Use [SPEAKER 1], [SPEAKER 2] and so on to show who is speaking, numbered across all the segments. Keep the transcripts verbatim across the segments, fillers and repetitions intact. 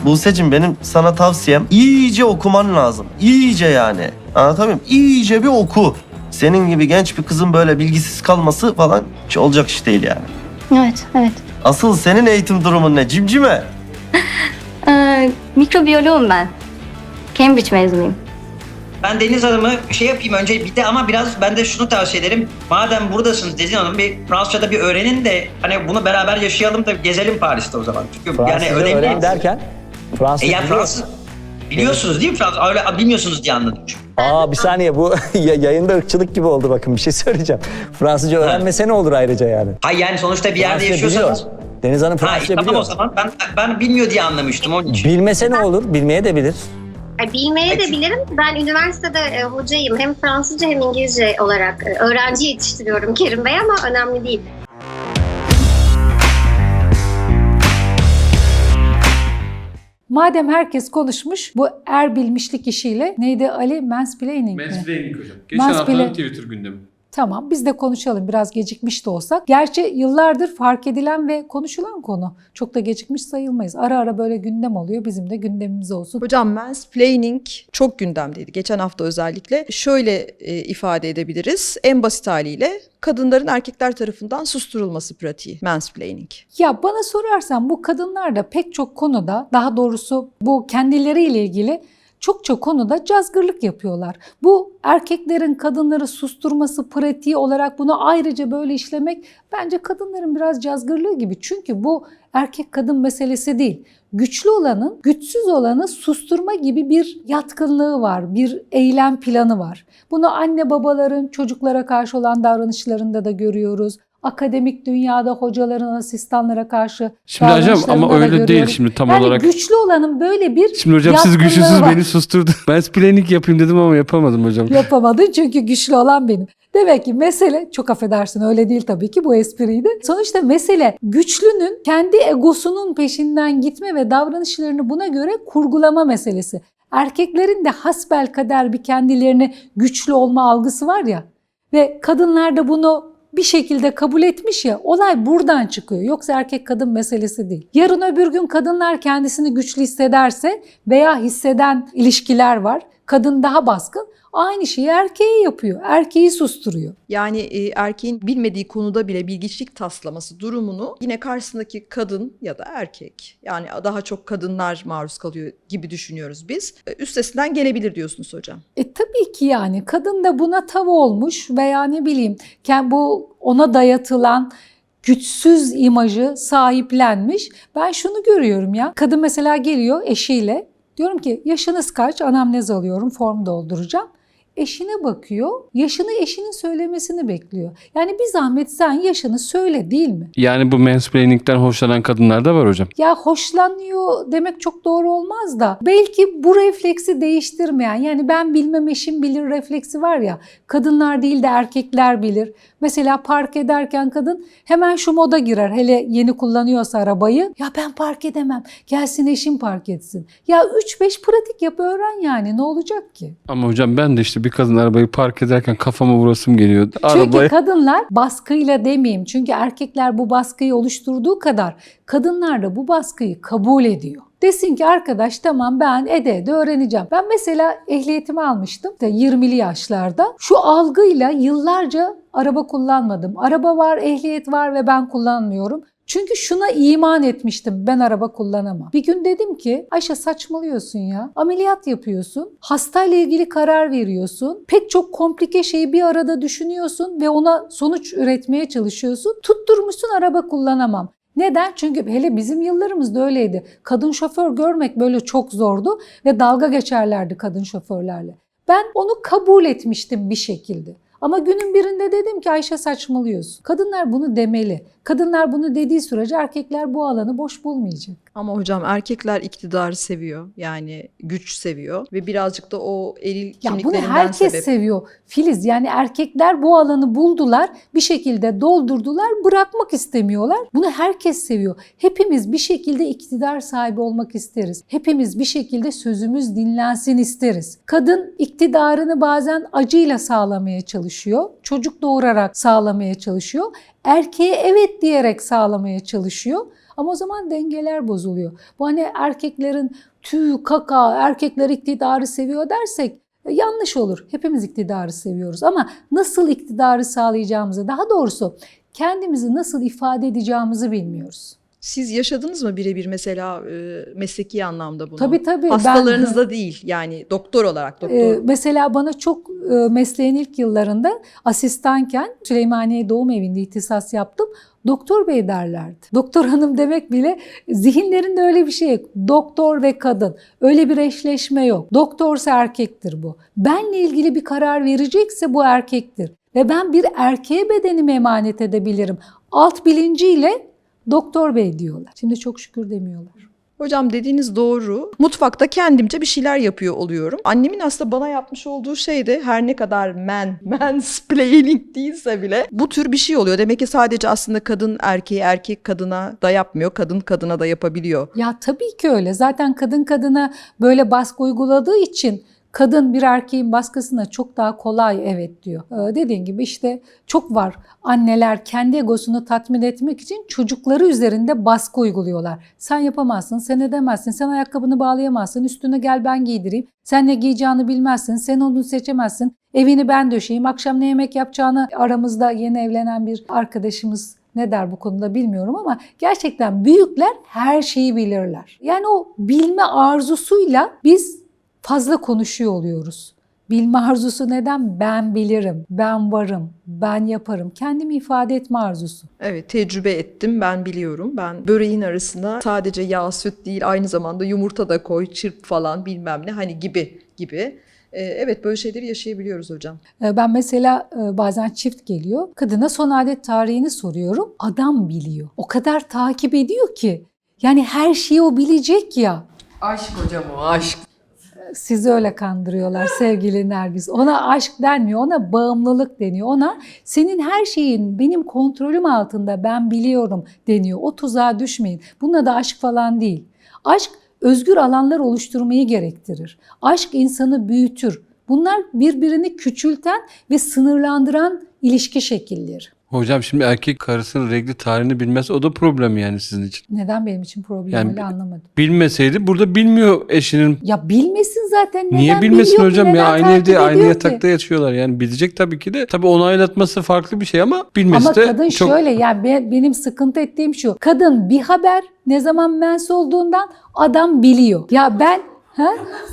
[SPEAKER 1] Buse'cim benim sana tavsiyem iyice okuman lazım. İyice yani. Anlatabiliyor muyum? İyice bir oku. Senin gibi genç bir kızın böyle bilgisiz kalması falan hiç olacak iş değil yani.
[SPEAKER 2] Evet, evet.
[SPEAKER 1] Asıl senin eğitim durumun ne cimcime?
[SPEAKER 2] Ee, mikrobiyoloğum ben. Cambridge mezunuyum.
[SPEAKER 3] Ben Deniz Hanım'ı şey yapayım önce bir de ama biraz ben de şunu tavsiye ederim. Madem buradasınız Deniz Hanım bir Fransızca'da bir öğrenin de hani bunu beraber yaşayalım da gezelim Paris'te o zaman. Çünkü
[SPEAKER 4] Fransızca
[SPEAKER 3] yani önemli.
[SPEAKER 4] öğren derken
[SPEAKER 3] E
[SPEAKER 4] Fransızca
[SPEAKER 3] ya
[SPEAKER 4] biliyor
[SPEAKER 3] Fransız
[SPEAKER 4] musun?
[SPEAKER 3] biliyorsunuz değil mi Fransız? Öyle bilmiyorsunuz diye anladım çünkü.
[SPEAKER 4] Aa bir saniye bu ya- yayında ırkçılık gibi oldu bakın bir şey söyleyeceğim. Fransızca öğrenmese ne olur ayrıca yani?
[SPEAKER 3] Hayır yani sonuçta bir yerde
[SPEAKER 4] Fransızca
[SPEAKER 3] yaşıyorsanız.
[SPEAKER 4] biliyor. Deniz Hanım
[SPEAKER 3] Ha
[SPEAKER 4] Fransızca
[SPEAKER 3] tamam
[SPEAKER 4] biliyor.
[SPEAKER 3] o zaman ben ben bilmiyor diye anlamıştım onun için.
[SPEAKER 4] Bilmese ne olur? Bilmeye de bilir.
[SPEAKER 5] E, Bilmeye de
[SPEAKER 3] Peki.
[SPEAKER 5] bilirim. Ben üniversitede e, hocayım. Hem Fransızca hem İngilizce olarak e, öğrenci yetiştiriyorum Kerim Bey ama önemli değil.
[SPEAKER 6] Madem herkes konuşmuş bu er bilmişlik işiyle neydi Ali? Mansplaining mi?
[SPEAKER 7] Mansplaining hocam. Geçen
[SPEAKER 6] Mansplain-
[SPEAKER 7] haftanın Twitter gündemi.
[SPEAKER 6] Tamam biz de konuşalım biraz gecikmiş de olsak. Gerçi yıllardır fark edilen ve konuşulan konu. Çok da gecikmiş sayılmayız. Ara ara böyle gündem oluyor. Bizim de gündemimiz olsun.
[SPEAKER 8] Hocam mansplaining çok gündemdeydi. Geçen hafta özellikle şöyle e, ifade edebiliriz. En basit haliyle kadınların erkekler tarafından susturulması pratiği mansplaining.
[SPEAKER 6] Ya bana sorarsan bu kadınlar da pek çok konuda, daha doğrusu bu kendileriyle ilgili çokça konuda cazgırlık yapıyorlar. Bu erkeklerin kadınları susturması pratiği olarak bunu ayrıca böyle işlemek bence kadınların biraz cazgırlığı gibi. Çünkü bu erkek kadın meselesi değil. Güçlü olanın güçsüz olanı susturma gibi bir yatkınlığı var, bir eylem planı var. Bunu anne babaların çocuklara karşı olan davranışlarında da görüyoruz. Akademik dünyada hocaların asistanlara karşı
[SPEAKER 7] Şimdi hocam
[SPEAKER 6] davranışlarında
[SPEAKER 7] ama
[SPEAKER 6] da
[SPEAKER 7] öyle değil
[SPEAKER 6] görüyoruz.
[SPEAKER 7] şimdi tam
[SPEAKER 6] yani
[SPEAKER 7] olarak.
[SPEAKER 6] güçlü olanın böyle bir
[SPEAKER 7] Şimdi hocam siz
[SPEAKER 6] yatkınlığı
[SPEAKER 7] güçlüsünüz
[SPEAKER 6] var.
[SPEAKER 7] beni susturdu. Ben splaining yapayım dedim ama yapamadım hocam.
[SPEAKER 6] Yapamadın çünkü güçlü olan benim. Demek ki mesele, çok affedersin öyle değil tabii ki bu espriydi. Sonuçta mesele güçlünün kendi egosunun peşinden gitme ve davranışlarını buna göre kurgulama meselesi. Erkeklerin de hasbelkader bir kendilerini güçlü olma algısı var ya ve kadınlar da bunu bir şekilde kabul etmiş ya, olay buradan çıkıyor. Yoksa erkek kadın meselesi değil. Yarın öbür gün kadınlar kendisini güçlü hissederse veya hisseden ilişkiler var. Kadın daha baskın. Aynı şeyi erkeğe yapıyor. Erkeği susturuyor.
[SPEAKER 8] Yani e, erkeğin bilmediği konuda bile bilgiçlik taslaması durumunu yine karşısındaki kadın ya da erkek, yani daha çok kadınlar maruz kalıyor gibi düşünüyoruz biz. E, Üstesinden gelebilir diyorsunuz hocam.
[SPEAKER 6] E tabii ki yani kadın da buna tav olmuş veya ne bileyim bu ona dayatılan güçsüz imajı sahiplenmiş. Ben şunu görüyorum ya. Kadın mesela geliyor eşiyle. Diyorum ki yaşınız kaç? Anamnez alıyorum, form dolduracağım. Eşine bakıyor, yaşını eşinin söylemesini bekliyor. Yani bir zahmet sen yaşını söyle değil mi?
[SPEAKER 7] Yani bu mansplaining'den hoşlanan kadınlar da var hocam.
[SPEAKER 6] Ya hoşlanıyor demek çok doğru olmaz da belki bu refleksi değiştirmeyen, yani ben bilmem eşim bilir refleksi var ya, kadınlar değil de erkekler bilir. Mesela park ederken kadın hemen şu moda girer, hele yeni kullanıyorsa arabayı. Ya ben park edemem, gelsin eşim park etsin. Ya üç beş pratik yap öğren yani, ne olacak ki?
[SPEAKER 7] Ama hocam ben de işte bir kadın arabayı park ederken kafama vurasım geliyor.
[SPEAKER 6] Çünkü
[SPEAKER 7] Arabaya...
[SPEAKER 6] kadınlar baskıyla demeyeyim. Çünkü erkekler bu baskıyı oluşturduğu kadar kadınlar da bu baskıyı kabul ediyor. Desin ki arkadaş tamam ben ede ede öğreneceğim. Ben mesela ehliyetimi almıştım işte yirmili yaşlarda. Şu algıyla yıllarca araba kullanmadım. Araba var, ehliyet var ve ben kullanmıyorum. Çünkü şuna iman etmiştim, ben araba kullanamam. Bir gün dedim ki Ayşe saçmalıyorsun ya. Ameliyat yapıyorsun, hastayla ilgili karar veriyorsun. Pek çok komplike şeyi bir arada düşünüyorsun ve ona sonuç üretmeye çalışıyorsun. Tutturmuşsun araba kullanamam. Neden? Çünkü hele bizim yıllarımızda öyleydi. Kadın şoför görmek böyle çok zordu ve dalga geçerlerdi kadın şoförlerle. Ben onu kabul etmiştim bir şekilde. Ama günün birinde dedim ki Ayşe saçmalıyorsun. Kadınlar bunu demeli. Kadınlar bunu dediği sürece erkekler bu alanı boş bulmayacak.
[SPEAKER 8] Ama hocam erkekler iktidarı seviyor. Yani güç seviyor ve birazcık da o eril
[SPEAKER 6] Ya bunu
[SPEAKER 8] kimliklerinden
[SPEAKER 6] herkes
[SPEAKER 8] sebep.
[SPEAKER 6] seviyor Filiz. Yani erkekler bu alanı buldular, bir şekilde doldurdular, bırakmak istemiyorlar. Bunu herkes seviyor. Hepimiz bir şekilde iktidar sahibi olmak isteriz. Hepimiz bir şekilde sözümüz dinlensin isteriz. Kadın iktidarını bazen acıyla sağlamaya çalışıyor. Çocuk doğurarak sağlamaya çalışıyor. Erkeğe evet diyerek sağlamaya çalışıyor. Ama o zaman dengeler bozuluyor. Bu hani erkeklerin tüy, kaka, erkekler iktidarı seviyor dersek yanlış olur. Hepimiz iktidarı seviyoruz ama nasıl iktidarı sağlayacağımızı, daha doğrusu kendimizi nasıl ifade edeceğimizi bilmiyoruz.
[SPEAKER 8] Siz yaşadınız mı birebir mesela e, mesleki anlamda bunu?
[SPEAKER 6] Tabii tabii.
[SPEAKER 8] Hastalarınızda değil yani doktor olarak. Doktor.
[SPEAKER 6] Ee, mesela bana çok e, mesleğin ilk yıllarında asistanken Süleymaniye Doğum Evi'nde ihtisas yaptım. Doktor bey derlerdi. Doktor hanım demek bile zihinlerinde öyle bir şey yok. Doktor ve kadın. Öyle bir eşleşme yok. Doktorsa erkektir bu. Benle ilgili bir karar verecekse bu erkektir. Ve ben bir erkeğe bedenimi emanet edebilirim. Alt bilinciyle doktor bey diyorlar. Şimdi çok şükür demiyorlar.
[SPEAKER 8] Hocam dediğiniz doğru. Mutfakta kendimce bir şeyler yapıyor oluyorum. Annemin aslında bana yapmış olduğu şey de her ne kadar man, mansplaining değilse bile bu tür bir şey oluyor. Demek ki sadece aslında kadın erkeğe, erkek kadına da yapmıyor. Kadın kadına da yapabiliyor.
[SPEAKER 6] Ya tabii ki öyle. Zaten kadın kadına böyle baskı uyguladığı için kadın bir erkeğin baskısına çok daha kolay evet diyor. Ee, dediğin gibi işte çok var. Anneler kendi egosunu tatmin etmek için çocukları üzerinde baskı uyguluyorlar. Sen yapamazsın, sen edemezsin, sen ayakkabını bağlayamazsın, üstüne gel ben giydireyim. Sen ne giyeceğini bilmezsin, sen onu seçemezsin. Evini ben döşeyeyim, akşam ne yemek yapacağını aramızda yeni evlenen bir arkadaşımız ne der bu konuda bilmiyorum ama gerçekten büyükler her şeyi bilirler. Yani o bilme arzusuyla biz fazla konuşuyor oluyoruz. Bilme arzusu neden? Ben bilirim, ben varım, ben yaparım. Kendimi ifade etme arzusu.
[SPEAKER 8] Evet, tecrübe ettim, ben biliyorum. Ben böreğin arasına sadece yağ, süt değil, aynı zamanda yumurta da koy, çırp falan bilmem ne hani gibi gibi. Ee, evet, böyle şeyleri yaşayabiliyoruz hocam.
[SPEAKER 6] Ben mesela bazen çift geliyor. Kadına son adet tarihini soruyorum. Adam biliyor. O kadar takip ediyor ki. Yani her şeyi o bilecek ya.
[SPEAKER 8] Aşk hocam o, aşk.
[SPEAKER 6] Sizi öyle kandırıyorlar sevgili Nergis. Ona aşk denmiyor, ona bağımlılık deniyor. Ona senin her şeyin benim kontrolüm altında, ben biliyorum deniyor. O tuzağa düşmeyin. Bunun da aşk falan değil. Aşk özgür alanlar oluşturmayı gerektirir. Aşk insanı büyütür. Bunlar birbirini küçülten ve sınırlandıran ilişki şekilleri.
[SPEAKER 7] Hocam şimdi erkek karısının regli tarihini bilmez, o da problem yani sizin için.
[SPEAKER 6] Neden benim için problem
[SPEAKER 7] Yani
[SPEAKER 6] öyle anlamadım.
[SPEAKER 7] Bilmeseydi burada bilmiyor eşinin.
[SPEAKER 6] Ya bilmesin zaten. Neden
[SPEAKER 7] Niye bilmesin
[SPEAKER 6] biliyor ki,
[SPEAKER 7] hocam ya,
[SPEAKER 6] neden
[SPEAKER 7] aynı
[SPEAKER 6] takip
[SPEAKER 7] evde aynı
[SPEAKER 6] ediyor
[SPEAKER 7] yatakta
[SPEAKER 6] ki?
[SPEAKER 7] yatıyorlar yani bilecek tabii ki de. Tabii onaylatması farklı bir şey ama bilmesi
[SPEAKER 6] Ama
[SPEAKER 7] de
[SPEAKER 6] kadın
[SPEAKER 7] çok...
[SPEAKER 6] şöyle yani be- benim sıkıntı ettiğim şu. Kadın bir haber ne zaman mens olduğundan adam biliyor. Ya ben ha?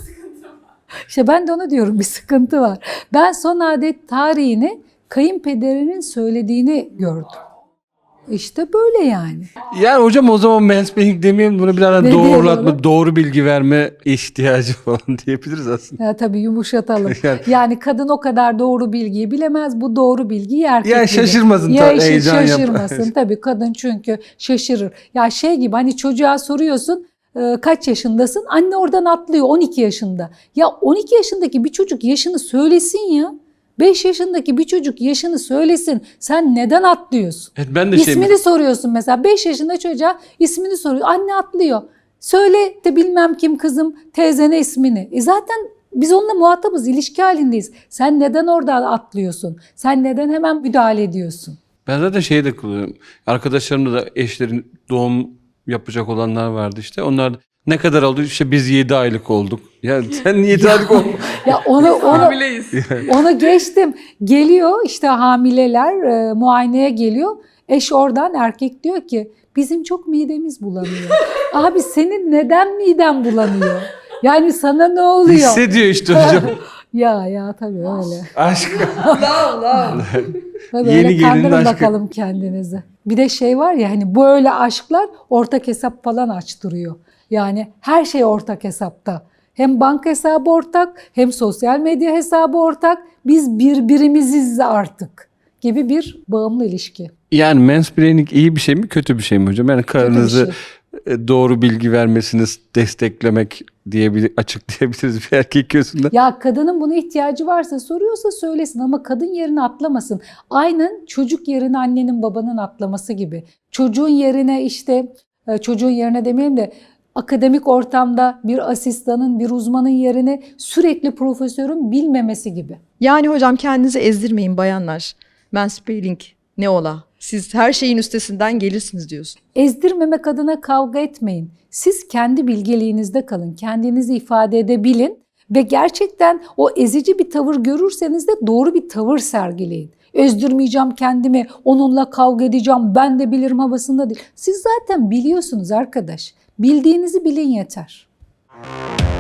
[SPEAKER 6] İşte ben de onu diyorum, bir sıkıntı var. Ben son adet tarihini kayınpederinin söylediğini gördüm. İşte böyle yani.
[SPEAKER 7] Yani hocam o zaman mansplaining demeyelim, bunu biraz
[SPEAKER 6] Ne
[SPEAKER 7] doğrulatma,
[SPEAKER 6] diyelim?
[SPEAKER 7] doğru bilgi verme ihtiyacı falan diyebiliriz aslında.
[SPEAKER 6] Ya tabii yumuşatalım.
[SPEAKER 7] Yani-
[SPEAKER 6] Yani kadın o kadar doğru bilgiyi bilemez. Bu doğru bilgiyi erkek
[SPEAKER 7] Ya
[SPEAKER 6] bilir.
[SPEAKER 7] şaşırmasın
[SPEAKER 6] Ya
[SPEAKER 7] tabii,
[SPEAKER 6] işi
[SPEAKER 7] heyecan yapar.
[SPEAKER 6] şaşırmasın. Tabii kadın çünkü şaşırır. Ya şey gibi hani çocuğa soruyorsun e, kaç yaşındasın? Anne oradan atlıyor on iki yaşında. Ya on iki yaşındaki bir çocuk yaşını söylesin ya. beş yaşındaki bir çocuk yaşını söylesin. Sen neden atlıyorsun?
[SPEAKER 7] Evet, ben de şey...
[SPEAKER 6] İsmini soruyorsun mesela. beş yaşında çocuğa ismini soruyor. Anne atlıyor. Söyle de bilmem kim kızım teyzene ismini. E zaten biz onunla muhatabız, ilişki halindeyiz. Sen neden orada atlıyorsun? Sen neden hemen müdahale ediyorsun?
[SPEAKER 7] Ben zaten şeyi de kullanıyorum. Arkadaşlarımda da eşlerin doğum yapacak olanlar vardı işte. Onlar ne kadar oldu? İşte biz yedi aylık olduk. Ya sen yedi aylık oldun.
[SPEAKER 6] Ya onu onu onu geçtim. Geliyor işte hamileler e, muayeneye geliyor. Eş oradan erkek diyor ki bizim çok midemiz bulanıyor. Abi senin neden miden bulanıyor? Yani sana ne oluyor?
[SPEAKER 7] Hissediyor işte hocam.
[SPEAKER 6] Ya ya tabii öyle.
[SPEAKER 7] Aşk.
[SPEAKER 6] Tabii
[SPEAKER 7] Yeni
[SPEAKER 6] öyle
[SPEAKER 7] gelinin
[SPEAKER 6] kandırın
[SPEAKER 7] aşkı.
[SPEAKER 6] bakalım kendinizi. Bir de şey var ya hani böyle aşklar ortak hesap falan açtırıyor. Yani her şey ortak hesapta. Hem banka hesabı ortak, hem sosyal medya hesabı ortak. Biz birbirimiziz artık gibi bir bağımlı ilişki.
[SPEAKER 7] Yani mansplaining iyi bir şey mi, kötü bir şey mi hocam? Yani karınızı
[SPEAKER 6] şey.
[SPEAKER 7] doğru bilgi vermesini desteklemek diyebilir, açıklayabiliriz bir erkek gözünden.
[SPEAKER 6] Ya kadının buna ihtiyacı varsa soruyorsa söylesin ama kadın yerine atlamasın. Aynen çocuk yerine annenin babanın atlaması gibi. Çocuğun yerine işte çocuğun yerine demeyeyim de akademik ortamda bir asistanın, bir uzmanın yerine sürekli profesörün bilmemesi gibi.
[SPEAKER 8] Yani hocam kendinizi ezdirmeyin bayanlar. Mansplaining Ne ola? Siz her şeyin üstesinden gelirsiniz diyorsun.
[SPEAKER 6] Ezdirmemek adına kavga etmeyin. Siz kendi bilgeliğinizde kalın, kendinizi ifade edebilin ve gerçekten o ezici bir tavır görürseniz de doğru bir tavır sergileyin. Ezdirmeyeceğim kendimi, onunla kavga edeceğim, ben de bilirim havasında değil. Siz zaten biliyorsunuz arkadaş. Bildiğinizi bilin yeter.